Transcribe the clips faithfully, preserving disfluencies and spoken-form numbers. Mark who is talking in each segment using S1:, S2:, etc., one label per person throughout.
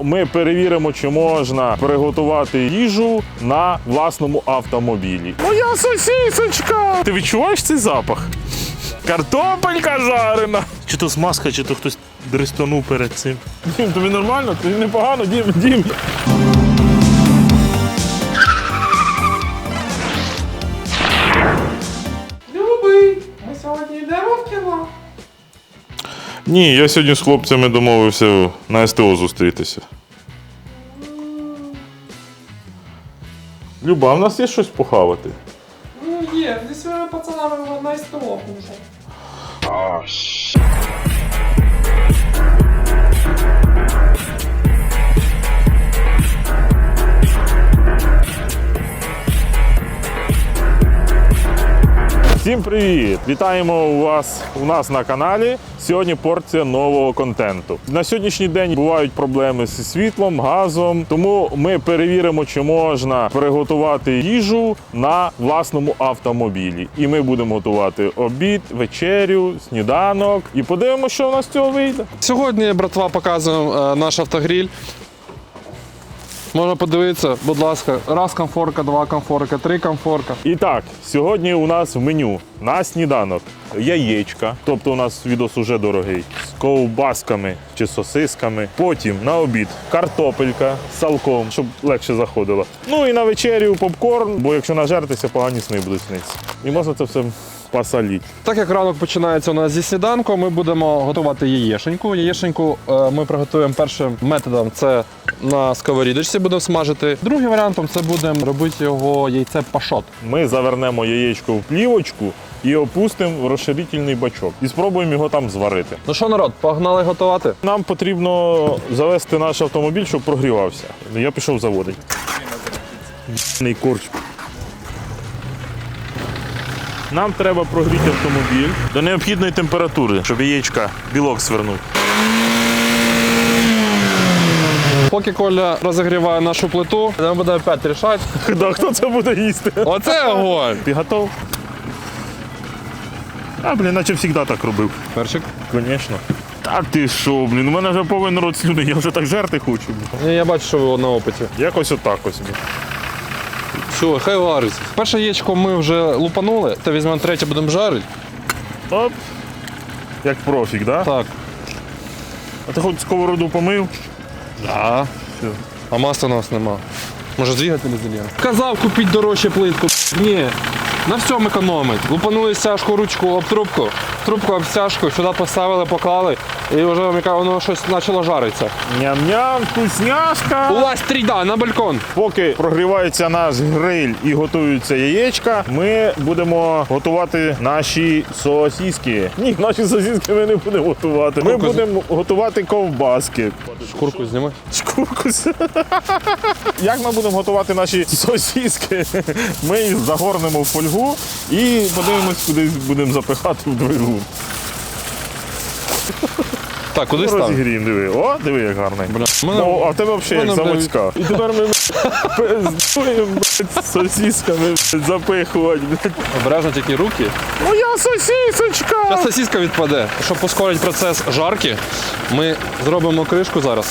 S1: ми перевіримо, чи можна приготувати їжу на власному автомобілі. Моя сосисочка! Ти відчуваєш цей запах? Картопелька жарена! Чи то смазка, чи то хтось дристанув перед цим. Дім, тобі нормально? Тобі непогано? Дім, Дім.
S2: Любий, ми сьогодні йдемо в кіно.
S1: Ні, я сьогодні з хлопцями домовився на СТО зустрітися. Люба, а в нас є щось похавати?
S2: Ну є, зі своїми пацанами на СТО вже.
S1: Всім привіт! Вітаємо у вас у нас на каналі. Сьогодні порція нового контенту. На сьогоднішній день бувають проблеми зі світлом, газом, тому ми перевіримо, чи можна приготувати їжу на власному автомобілі. І ми будемо готувати обід, вечерю, сніданок і подивимося, що у нас з цього вийде.
S3: Сьогодні, братва, показуємо е, наш автогріль. Можна подивитися, будь ласка, раз комфорка, два комфорка, три комфорка.
S1: І так, сьогодні у нас в меню на сніданок яєчка, тобто у нас відос уже дорогий, з ковбасками чи сосисками. Потім на обід картопелька з салком, щоб легше заходило. Ну і на вечерю попкорн, бо якщо нажертися, погані сни будуть снитися. І можна це все посолити.
S3: Так як ранок починається у нас зі сніданку, ми будемо готувати яєшеньку. Яєшеньку е, ми приготуємо першим методом, це на сковорідочці будемо смажити. Другим варіантом це будемо робити його яйце пашот.
S1: Ми завернемо яєчко в плівочку і опустимо в розширительний бачок. І спробуємо його там зварити.
S3: Ну що, народ, погнали готувати?
S1: Нам потрібно завести наш автомобіль, щоб прогрівався. Я пішов заводити. Й**ний корч. Нам треба прогріти автомобіль до необхідної температури, щоб яєчка білок свернув.
S3: Поки Коля розігріває нашу плиту, ми будемо опять рішати.
S1: Да, хто це буде їсти?
S3: Оце огонь!
S1: Ти готов? А, блін, наче завжди так робив.
S3: Перчик.
S1: Звісно. Та ти що, блін, у мене вже повинен рот слюни, я вже так жерти хочу.
S3: Ні, я бачу, що ви на опиті.
S1: Якось отак ось.
S3: Все, хай вариться. Перше яєчко ми вже лупанули, то візьмемо третє, будемо жарити.
S1: Оп. Як профік, да?
S3: Так.
S1: А ти хоч сковороду помив?
S3: Да.
S1: Все.
S3: А масла у нас нема. Може двигатель зальємо? Казав купити дорожче плитку. Ні. На всьому економить. Лупанули стяжку, ручку об трубку, трубку об стяжку, сюди поставили, поклали, і вже воно щось почало жаритися.
S1: Ням-ням, вкусняшка!
S3: Улазь трійда на балкон.
S1: Поки прогрівається наш гриль і готуються яєчка, ми будемо готувати наші сосиски. Ні, наші сосиски ми не будемо готувати. Ми
S3: Шкурку з-
S1: будемо готувати ковбаски.
S3: Шкурку зніми.
S1: Шкурку. Як ми будемо готувати наші сосиски? Ми їх загорнемо в фольгу і подивимось, куди будемо запихати в двигун.
S3: Так, куди став?
S1: Розігріємо, диви. О, диви, як гарний.
S3: Бля, мене-
S1: Ну, а в тебе взагалі як
S3: мене, бля,
S1: заводська. І тепер ми пиздуємо, блядь, сосисками блядь, запихувати. блядь.
S3: Обережно тільки руки.
S1: Моя сосисочка!
S3: Зараз сосиска відпаде. Щоб прискорити процес жарки, ми зробимо кришку зараз.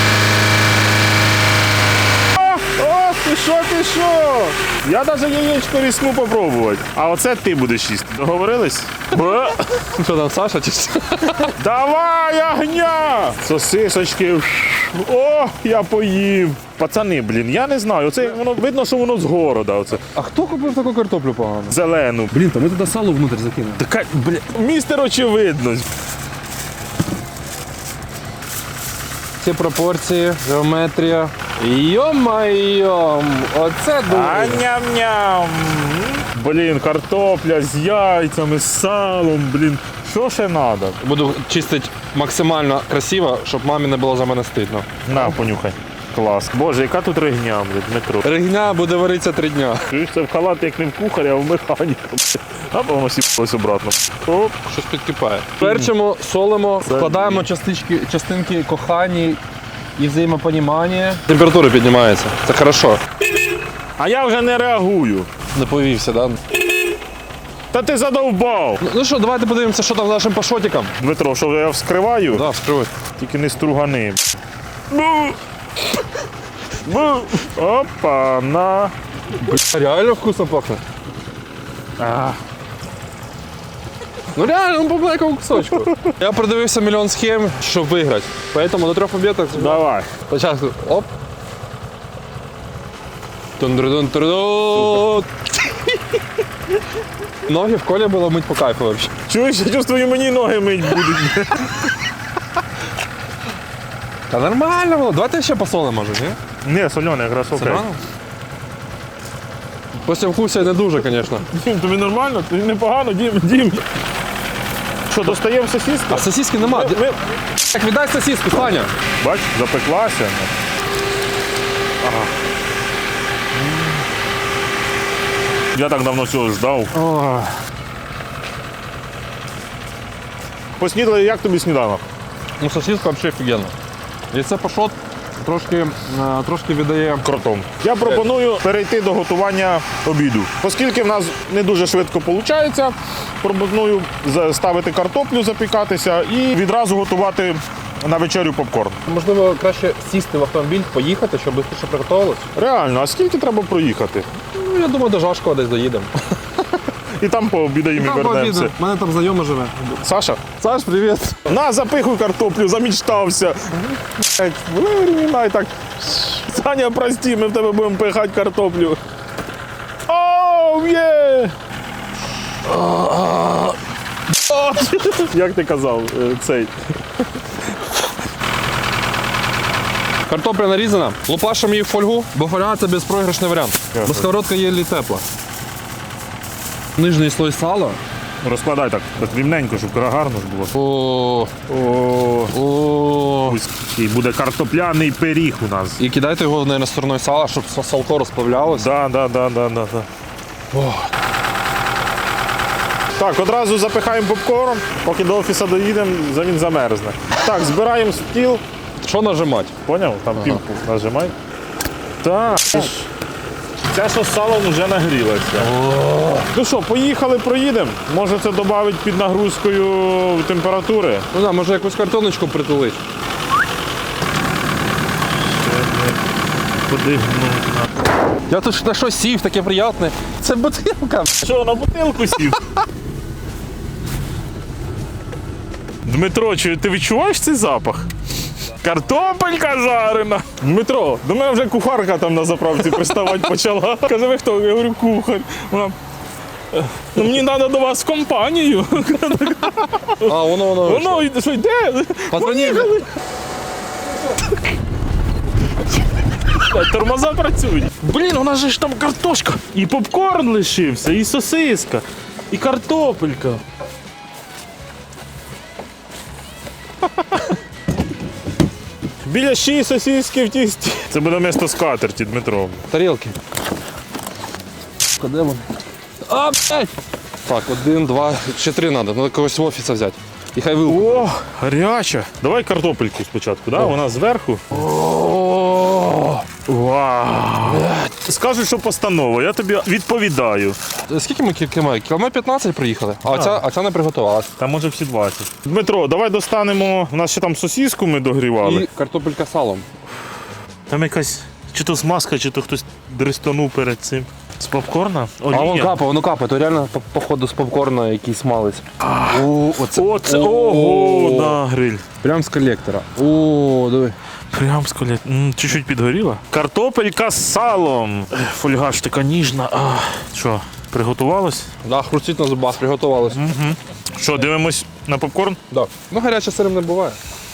S1: О, ти що, ти що? Я навіть яєчко різну попробувати. А оце ти будеш їсти. Договорились? Бе.
S3: Що там, Саша? Чи що?
S1: Давай, огня! Сосисочки. О, я поїв. Пацани, блін, я не знаю. Оце воно видно, що воно з города. Оце.
S3: А хто купив таку картоплю погану?
S1: Зелену.
S3: Блін, то ми туди сало внутрі закинули.
S1: Така, бля, містер очевидно.
S3: Ці пропорції, геометрія. Йо-майо, оце
S1: А
S3: дуже.
S1: ням-ням. Блін, картопля з яйцями, з салом, блін. Що ще треба?
S3: Буду чистити максимально красиво, щоб мамі не було за мене стидно.
S1: На, понюхай. Клас. Боже, яка тут ригня, блін, Дмитро.
S3: Ригня буде варитися три дня.
S1: Чуєш, це в халат як не в кухаря, а в механіка. А воно сіпалось обратно. Оп.
S3: Щось підкипає. Перчимо, солимо, вкладаємо частички, частинки кохані і взаємопонімання. Температура піднімається. Це хорошо.
S1: А я вже не реагую.
S3: Не повівся, да?
S1: Та ти задовбав.
S3: Ну що, давайте подивимося, що там з нашим пашотиком.
S1: Дмитро, що я вскриваю?
S3: Да, вскривай.
S1: Тільки не стругани. Ну, Бу. Опа, на.
S3: Реально вкусно пахне.
S1: А.
S3: Ну реально, ну по маленькому кусочку. Я продивився мільйон схем, щоб виграти. Поэтому до трьох победок
S1: Давай.
S3: спочатку оп. Тун-дру-дун-тру-дун. Ноги в колі було мить по кайфу вообще.
S1: Чуєш, я чувствую, мені ноги мить будуть.
S3: Та нормально було. Давайте ще посолимо, може, ні?
S1: Ні, солене, якраз окей.
S3: Нормально? Після вкусу не дуже, звісно.
S1: Дім, тобі нормально? Тобі непогано, Дім, Дім. Що, достаємо сосиски?
S3: А сосиски нема.
S1: Ми- ми-
S3: Так, віддай сосиску, Саня.
S1: Бач, запеклася. Ага. Я так давно цього ждав. Поснідали, як тобі сніданок?
S3: Ну, сосиска взагалі офігенна. Яйце пашот трошки, е, трошки віддає.
S1: Кротом. Я пропоную перейти до готування обіду. Оскільки в нас не дуже швидко виходить, пропоную ставити картоплю, запікатися і відразу готувати на вечерю попкорн.
S3: Можливо, краще сісти в автомобіль, поїхати, щоб швидше приготувалось.
S1: Реально, а скільки треба проїхати?
S3: Ну, я думаю, до Жашкова десь доїдемо.
S1: І там пообідаємо і вернемося.
S3: У мене там знайома живе.
S1: Саша,
S3: Саш, привіт.
S1: на, запихуй картоплю, замічтався. Блядь, вирівняй так. Саня, прости, ми в тебе будемо пихати картоплю. Оу, є! Як ти казав, е, цей?
S3: Картопля нарізана, лупашимо її в фольгу, бо фольга це безпроіграшний варіант. Бо сковородка є лі тепла. Нижній слой сала.
S1: Розкладай так, так рівненько, щоб гарно ж було.
S3: О,
S1: О,
S3: о.
S1: і буде картопляний пиріг у нас.
S3: І кидайте його на стороною сала, щоб салко розплавлялося.
S1: Да, да, да, да, да, да. Так, одразу запихаємо попкорн, поки до офісу доїдемо, за він замерзне. Так, збираємо стіл.
S3: Що нажимати?
S1: Поняв? Там пілку нажимай. Так. Це що з салом вже нагрілося. Ну що, поїхали, проїдемо. Може це додавить під нагрузкою температури.
S3: Ну да, може якусь картоночку притулити.
S1: Куди?
S3: Я тут на що сів, таке приємне. Це бутилка.
S1: Що, на бутилку сів? Дмитро, чи ти відчуваєш цей запах? Картопелька жарена. Дмитро, до мене вже кухарка там на заправці приставати почала. Каже, ви хто? Я говорю, кухар. Вона, ну мені треба до вас в компанію.
S3: А, воно, воно.
S1: Воно йде, що йде?
S3: Патроні.
S1: Тормоза працюють. Блін, у нас же ж там картошка. І попкорн лишився, і сосиска, і картопелька. Біля ще сосиски в тісті. Це буде місто скатерті, Дмитро.
S3: Тарілки. Де вони? А, блядь! Так, один, два, ще три треба. Треба когось в офісі взяти. І хай вилку.
S1: О, гаряча. Давай картопельку спочатку, да? Вона зверху.
S3: О,
S1: Вау. Скажуть, що постанова, я тобі відповідаю.
S3: скільки ми кілометрів? Кілометр п'ятнадцять приїхали, а ця, а ця не приготувалася.
S1: Та може всі двадцять. Дмитро, давай достанемо. У нас ще там сосиску ми догрівали.
S3: І картопелька з салом.
S1: Там якась чи то смазка, чи то хтось дристанув перед цим. З попкорна?
S3: А воно капає, воно капає, то реально по- походу з попкорна якийсь смалець. О, оце.
S1: Оце, ого, на гриль.
S3: Прям з колектора. О, диви.
S1: Прям з колет. М, Чуть-чуть підгоріла. Картопелька з салом. Ех, Фольга ж така ніжна. А, що, приготувалось?
S3: Да, хрустить на зубах, приготувалось.
S1: Що, дивимось на попкорн?
S3: Да. Ну, гаряче сирим не буває.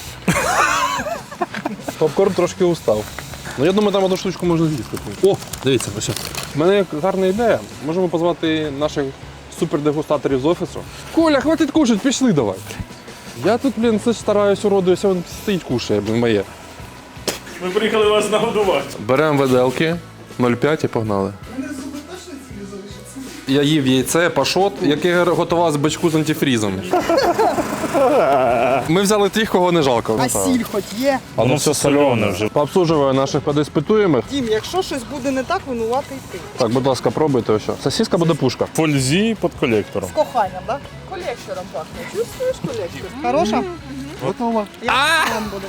S3: Попкорн трошки устав. Ну, я думаю, там одну штучку можна з'їсти. О, дивіться, ось. У мене є гарна ідея. Можемо позвати наших супердегустаторів з офісу. Коля, хватить кушать, пішли давай. Я тут, блін, це ж стараюсь уродуюся, він стоїть кушає, блін, моє.
S1: Ми приїхали вас нагодувати.
S3: Беремо виделки, нуль п'ять і погнали. Я їв яйце, пашот, яке готував з бачку з антифрізом. Ми взяли тих, кого не жалко.
S4: А сіль хоч є?
S3: А
S1: ну все солене вже.
S3: Пообслуживаю наших подиспитуємих.
S4: Дім, якщо щось буде не так, винуватий ти.
S3: Так, будь ласка, пробуйте ось. Сосиска буде пушка.
S1: Фользі під колектором.
S4: З коханням, так?
S2: Колектором пахнет. Чувствуешь коллектор?
S4: Хороша?
S3: Готово.
S4: Я вам буду.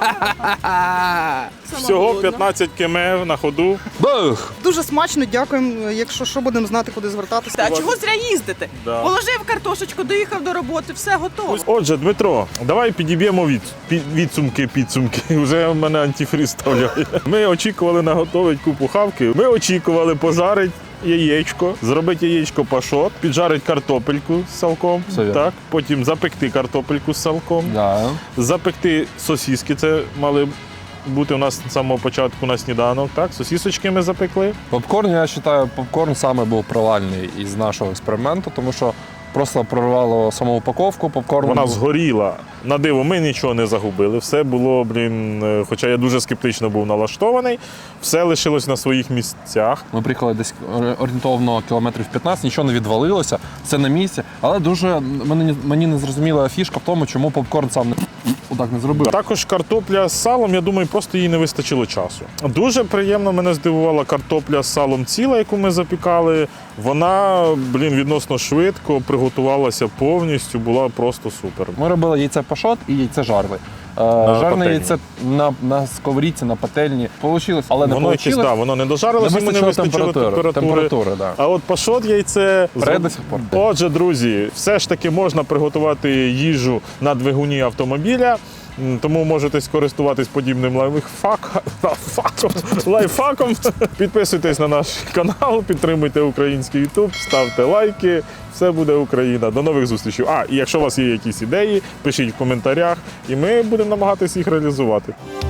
S1: Всього п'ятнадцять км на ходу.
S3: Бух!
S4: Дуже смачно, дякуємо. Якщо що, будемо знати, куди звертатися.
S5: Та чого зря їздити?
S1: Да.
S5: Положив картошечку, доїхав до роботи, все готово.
S1: Отже, Дмитро, давай підіб'ємо від, під, відсумки, підсумки. Вже в мене антифриз ставляє. Ми очікували наготовити купу хавки. Ми очікували пожарити яєчко, зробити яєчко пашот, піджарити картопельку з салком,
S3: Все вірно.
S1: так, потім запекти картопельку з салком,
S3: Да.
S1: запекти сосиски, це мали бути у нас з самого початку на сніданок, так, сосисочки ми запекли.
S3: Попкорн, я вважаю, попкорн саме був провальний із нашого експерименту, тому що просто прорвало саму упаковку, попкорн.
S1: Вона
S3: був-
S1: згоріла. На диво, ми нічого не загубили. Все було, блін, е, хоча я дуже скептично був налаштований, все лишилось на своїх місцях.
S3: Ми приїхали десь орієнтовно кілометрів п'ятнадцять, нічого не відвалилося, все на місці. Але дуже мені, мені не зрозуміла фішка в тому, чому попкорн сам не отак не зробив.
S1: Також картопля з салом, я думаю, просто їй не вистачило часу. Дуже приємно мене здивувала картопля з салом ціла, яку ми запікали. Вона, блін, відносно швидко приготувалася повністю, була просто супер.
S3: Ми робили яйце пашот і яйце жарли. Е, Жарне
S1: пательні.
S3: яйце на, на сковорідці, на пательні. Получилось, але не
S1: Воно якесь,
S3: получилось.
S1: да, воно не дожарилося,
S3: Не
S1: йому не
S3: вистачило
S1: вистачило
S3: температури.
S1: температури.
S3: Температури, да.
S1: А от пашот яйце.
S3: Пре
S1: зроб-
S3: до сих пор.
S1: Отже, друзі, все ж таки можна приготувати їжу на двигуні автомобіля. М, Тому можете скористуватись подібним лайфхак- лайфхаком. лайфхаком. Підписуйтесь на наш канал, підтримуйте український YouTube, ставте лайки. Все буде Україна. До нових зустрічей. А, і якщо у вас є якісь ідеї, пишіть в коментарях, і ми будемо намагатися їх реалізувати.